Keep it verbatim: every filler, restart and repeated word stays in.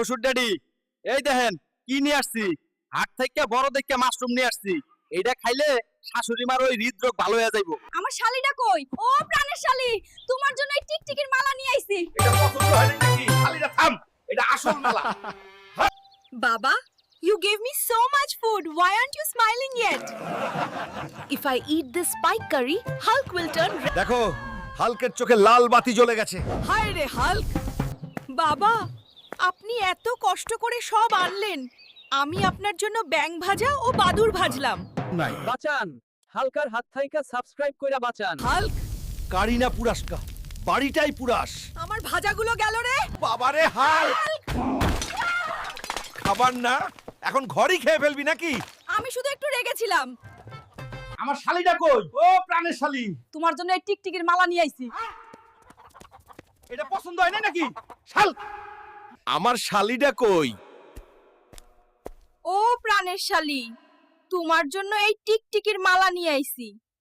শ্বশুর ড্যাডি, এই দেখেন কি নিয়ে আসছি। হাট থেকে বড় দেখে মাশরুম নিয়ে আসছি। এইটা খাইলে শাশুড়ি মার ওই হৃদরোগ ভালো হয়ে যাইবো। আমার শালিটা কই? ও প্রাণের শালি, তোমার জন্য এই টিকটিকির মালা নিয়ে আইছি। এটা পছন্দ হয় নাকি? শালিরা থাম, এটা আসল মালা। বাবা, you gave me so much food. Why aren't you smiling yet? If I eat this spike curry, Hulk will turn red. দেখো, হালকের চোখে লাল বাতি জ্বলে গেছে। হায় রে হাল্ক! বাবা, আপনি এত কষ্ট করে সব আনলেন। আমি আপনার জন্য ব্যাং ভাজা ও বাদুর ভাজলাম। নাই বাঁচান হালকার হাত থাইকা সাবস্ক্রাইব কইরা বাঁচান। হাল্ক, কারিনা পুরাসকা, বাড়িটাই পুরাস। আমার ভাজাগুলো গেল রে। বাবারে হাল্ক! খাবার না, এখন ঘরই খেয়ে ফেলবি নাকি? আমি শুধু একটু রেগেছিলাম। আমার শালিটা কই? ও প্রাণের শালি, তোমার জন্য এই টিকটিকির মালা নিয়ে আইছি। এটা পছন্দ হয় না নাকি? শাল, আমার শালিটা কই? ও প্রাণের শালি, তোমার জন্য এই টিকটিকির মালা নিয়ে আইছি।